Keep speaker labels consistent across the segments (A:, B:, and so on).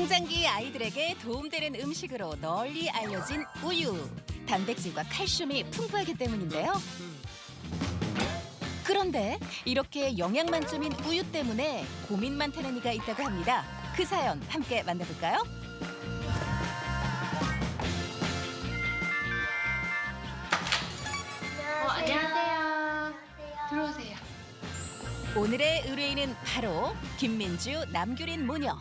A: 성장기 아이들에게 도움되는 음식으로 널리 알려진 우유. 단백질과 칼슘이 풍부하기 때문인데요. 그런데 이렇게 영양 만점인 우유 때문에 고민 많다는 이가 있다고 합니다. 그 사연 함께 만나볼까요?
B: 안녕하세요. 들어오세요.
A: 오늘의 의뢰인은 바로 김민주, 남규린 모녀.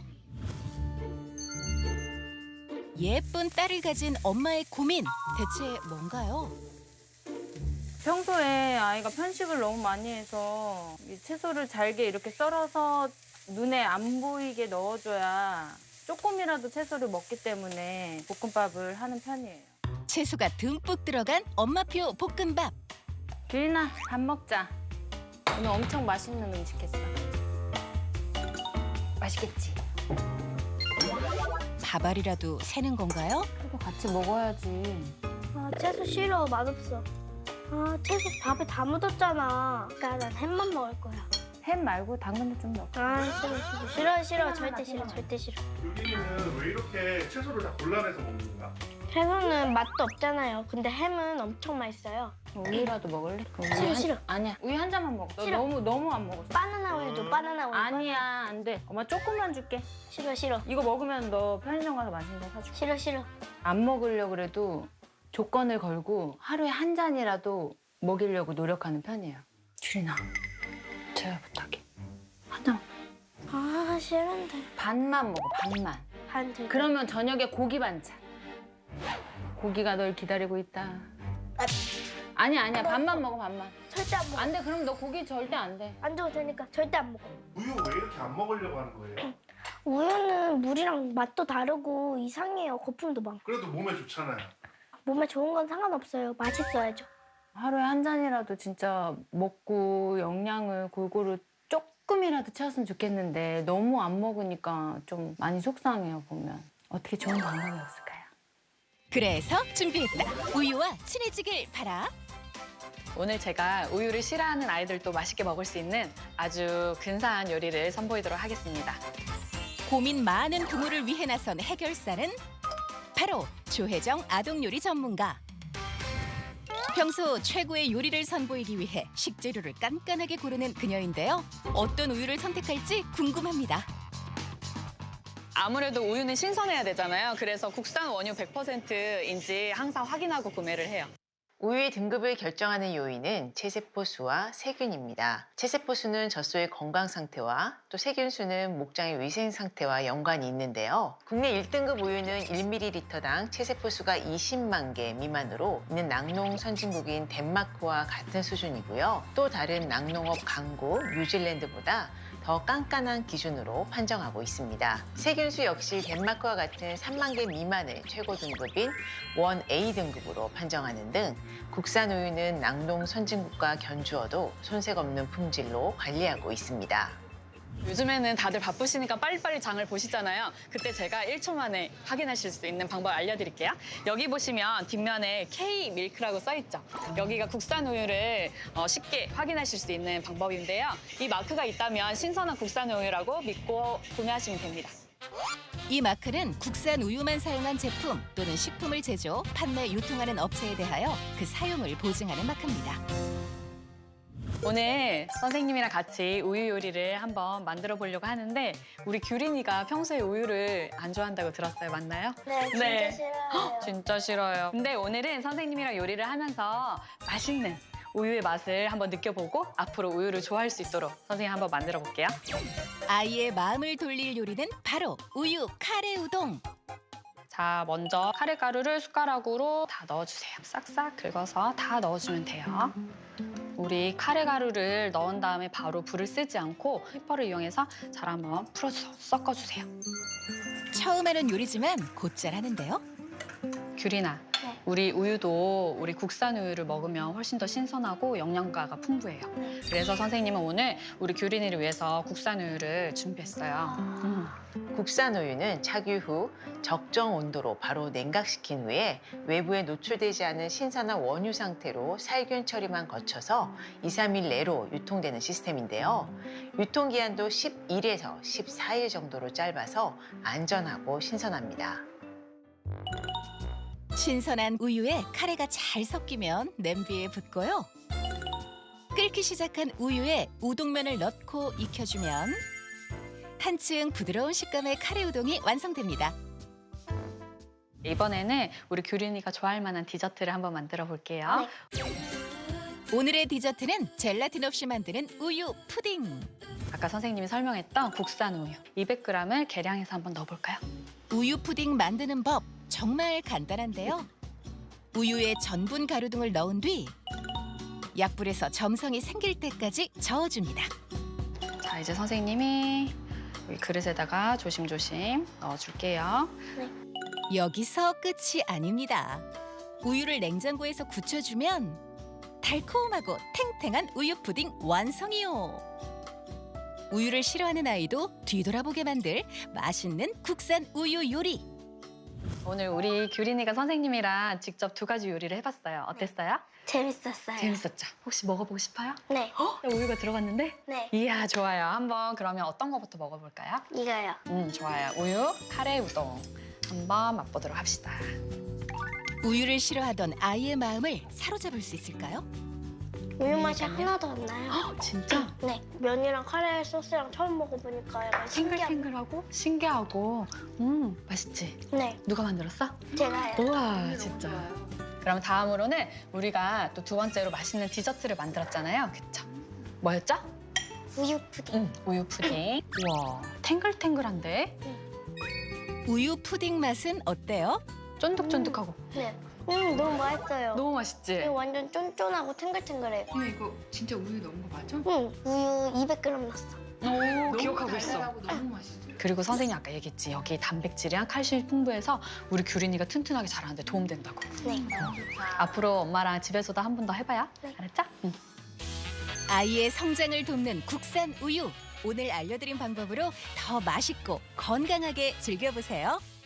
A: 예쁜 딸을 가진 엄마의 고민, 대체 뭔가요?
C: 평소에 아이가 편식을 너무 많이 해서 이 채소를 잘게 이렇게 썰어서 눈에 안 보이게 넣어줘야 조금이라도 채소를 먹기 때문에 볶음밥을 하는 편이에요.
A: 채소가 듬뿍 들어간 엄마표 볶음밥.
C: 규린아, 밥 먹자. 오늘 엄청 맛있는 음식 했어. 맛있겠지?
A: 밥알이라도 새는 건가요?
C: 그래도 같이 먹어야지.
B: 아, 채소 싫어. 맛없어. 아, 채소 밥에 다 묻었잖아. 그러니까 난 햄만 먹을 거야.
C: 햄 말고 당근도 좀 넣어.
B: 아, 싫어. 절대 싫어.
D: 여기는 왜 이렇게 채소를 다 골라내서 먹는 거야?
B: 채소는 맛도 없잖아요. 근데 햄은 엄청 맛있어요.
C: 우유라도 먹을래?
B: 싫어.
C: 아니야. 우유 한 잔만 먹어. 너
B: 싫어.
C: 너무 안 먹었어.
B: 바나나 우유도 바나나 우유.
C: 아니야, 안 돼. 엄마 조금만 줄게.
B: 싫어.
C: 이거 먹으면 너 편의점 가서 맛있는 거 사줄게.
B: 싫어.
C: 안 먹으려고 그래도 조건을 걸고 하루에 한 잔이라도 먹이려고 노력하는 편이에요. 규린아, 제발 부탁해. 한 잔.
B: 아, 싫은데.
C: 반만 먹어, 반만.
B: 반 들고.
C: 그러면 저녁에 고기 반찬. 고기가 널 기다리고 있다. 아니야, 반만 먹어, 반만.
B: 절대 안 먹어.
C: 안 돼, 그럼 너 고기 절대 안 돼.
B: 안 줘도 되니까 절대 안 먹어.
D: 우유 왜 이렇게 안 먹으려고 하는 거예요?
B: 우유는 물이랑 맛도 다르고 이상해요. 거품도 많고.
D: 그래도 몸에 좋잖아요.
B: 몸에 좋은 건 상관없어요. 맛있어야죠.
C: 하루에 한 잔이라도 진짜 먹고 영양을 골고루 조금이라도 채웠으면 좋겠는데 너무 안 먹으니까 좀 많이 속상해요, 보면. 어떻게 좋은 방법이 없을까요?
A: 그래서 준비했다. 우유와 친해지길 바라.
E: 오늘 제가 우유를 싫어하는 아이들도 맛있게 먹을 수 있는 아주 근사한 요리를 선보이도록 하겠습니다.
A: 고민 많은 부모를 위해 나선 해결사는 바로 조혜정 아동요리 전문가. 평소 최고의 요리를 선보이기 위해 식재료를 깐깐하게 고르는 그녀인데요. 어떤 우유를 선택할지 궁금합니다.
E: 아무래도 우유는 신선해야 되잖아요. 그래서 국산 원유 100%인지 항상 확인하고 구매를 해요.
F: 우유의 등급을 결정하는 요인은 체세포 수와 세균입니다. 체세포 수는 젖소의 건강 상태와 또 세균 수는 목장의 위생 상태와 연관이 있는데요. 국내 1등급 우유는 1ml당 체세포 수가 20만 개 미만으로 있는 낙농 선진국인 덴마크와 같은 수준이고요. 또 다른 낙농업 강국 뉴질랜드보다 더 깐깐한 기준으로 판정하고 있습니다. 세균수 역시 덴마크와 같은 3만 개 미만을 최고 등급인 1A 등급으로 판정하는 등 국산 우유는 낙농 선진국과 견주어도 손색 없는 품질로 관리하고 있습니다.
E: 요즘에는 다들 바쁘시니까 빨리빨리 장을 보시잖아요. 그때 제가 1초 만에 확인하실 수 있는 방법 알려드릴게요. 여기 보시면 뒷면에 K-밀크라고 써있죠. 여기가 국산 우유를 쉽게 확인하실 수 있는 방법인데요. 이 마크가 있다면 신선한 국산 우유라고 믿고 구매하시면 됩니다.
A: 이 마크는 국산 우유만 사용한 제품 또는 식품을 제조, 판매, 유통하는 업체에 대하여 그 사용을 보증하는 마크입니다.
E: 오늘 선생님이랑 같이 우유 요리를 한번 만들어 보려고 하는데 우리 규린이가 평소에 우유를 안 좋아한다고 들었어요. 맞나요?
B: 네, 진짜
E: 네.
B: 싫어요.
E: 진짜 싫어요. 근데 오늘은 선생님이랑 요리를 하면서 맛있는 우유의 맛을 한번 느껴보고 앞으로 우유를 좋아할 수 있도록 선생님 한번 만들어 볼게요.
A: 아이의 마음을 돌릴 요리는 바로 우유 카레 우동.
E: 자, 먼저 카레 가루를 숟가락으로 다 넣어주세요. 싹싹 긁어서 다 넣어주면 돼요. 우리 카레 가루를 넣은 다음에 바로 불을 쓰지 않고 휘퍼를 이용해서 잘 한번 풀어서 섞어주세요.
A: 처음 하는 요리지만 곧잘 하는데요.
E: 규린아,
B: 네.
E: 우리 우유도 우리 국산 우유를 먹으면 훨씬 더 신선하고 영양가가 풍부해요. 그래서 선생님은 오늘 우리 규린이를 위해서 국산 우유를 준비했어요.
F: 국산 우유는 착유 후 적정 온도로 바로 냉각시킨 후에 외부에 노출되지 않은 신선한 원유 상태로 살균 처리만 거쳐서 2, 3일 내로 유통되는 시스템인데요. 유통기한도 11에서 14일 정도로 짧아서 안전하고 신선합니다.
A: 신선한 우유에 카레가 잘 섞이면 냄비에 붓고요. 끓기 시작한 우유에 우동면을 넣고 익혀주면 한층 부드러운 식감의 카레 우동이 완성됩니다.
E: 이번에는 우리 규린이가 좋아할 만한 디저트를 한번 만들어 볼게요.
A: 오늘의 디저트는 젤라틴 없이 만드는 우유 푸딩.
E: 아까 선생님이 설명했던 국산 우유 200g을 계량해서 한번 넣어볼까요?
A: 우유 푸딩 만드는 법 정말 간단한데요. 우유에 전분 가루 등을 넣은 뒤 약불에서 점성이 생길 때까지 저어줍니다.
E: 자, 이제 선생님이 여기 그릇에다가 조심조심 넣어줄게요.
A: 여기서 끝이 아닙니다. 우유를 냉장고에서 굳혀주면 달콤하고 탱탱한 우유 푸딩 완성이요. 우유를 싫어하는 아이도 뒤돌아보게 만들 맛있는 국산 우유 요리.
E: 오늘 우리 규린이가 선생님이랑 직접 2가지 요리를 해봤어요. 어땠어요?
B: 재밌었어요.
E: 재밌었죠? 혹시 먹어보고 싶어요?
B: 네.
E: 우유가 들어갔는데?
B: 네.
E: 이야, 좋아요. 한번 그러면 어떤 거부터 먹어볼까요?
B: 이거요.
E: 좋아요. 우유 카레 우동 한번 맛보도록 합시다.
A: 우유를 싫어하던 아이의 마음을 사로잡을 수 있을까요?
B: 우유 맛이 하나도 안 나요.
E: 진짜?
B: 네. 면이랑 카레 소스랑 처음 먹어보니까 약간 신기한.
E: 탱글탱글하고 신기하고 맛있지?
B: 네.
E: 누가 만들었어?
B: 제가요.
E: 우와, 진짜. 그럼 다음으로는 우리가 또 2번째로 맛있는 디저트를 만들었잖아요. 그쵸? 뭐였죠?
B: 우유 푸딩.
E: 우유 푸딩. 우와, 탱글탱글한데?
A: 우유 푸딩 맛은 어때요?
E: 쫀득쫀득하고.
B: 네. 너무 맛있어요.
E: 너무 맛있지?
B: 이거 완전 쫀쫀하고 탱글탱글해요.
C: 이거 진짜 우유 넣은 거 맞아?
B: 우유 200g 넣었어.
E: 오, 기억하고 있어.
C: 너무 맛있어.
E: 그리고 선생님 아까 얘기했지. 여기 단백질이랑 칼슘이 풍부해서 우리 규린이가 튼튼하게 자라는데 도움된다고.
B: 네.
E: 앞으로 엄마랑 집에서도 한 번 더 해봐요.
B: 네.
E: 알았죠? 응.
A: 아이의 성장을 돕는 국산 우유. 오늘 알려드린 방법으로 더 맛있고 건강하게 즐겨보세요.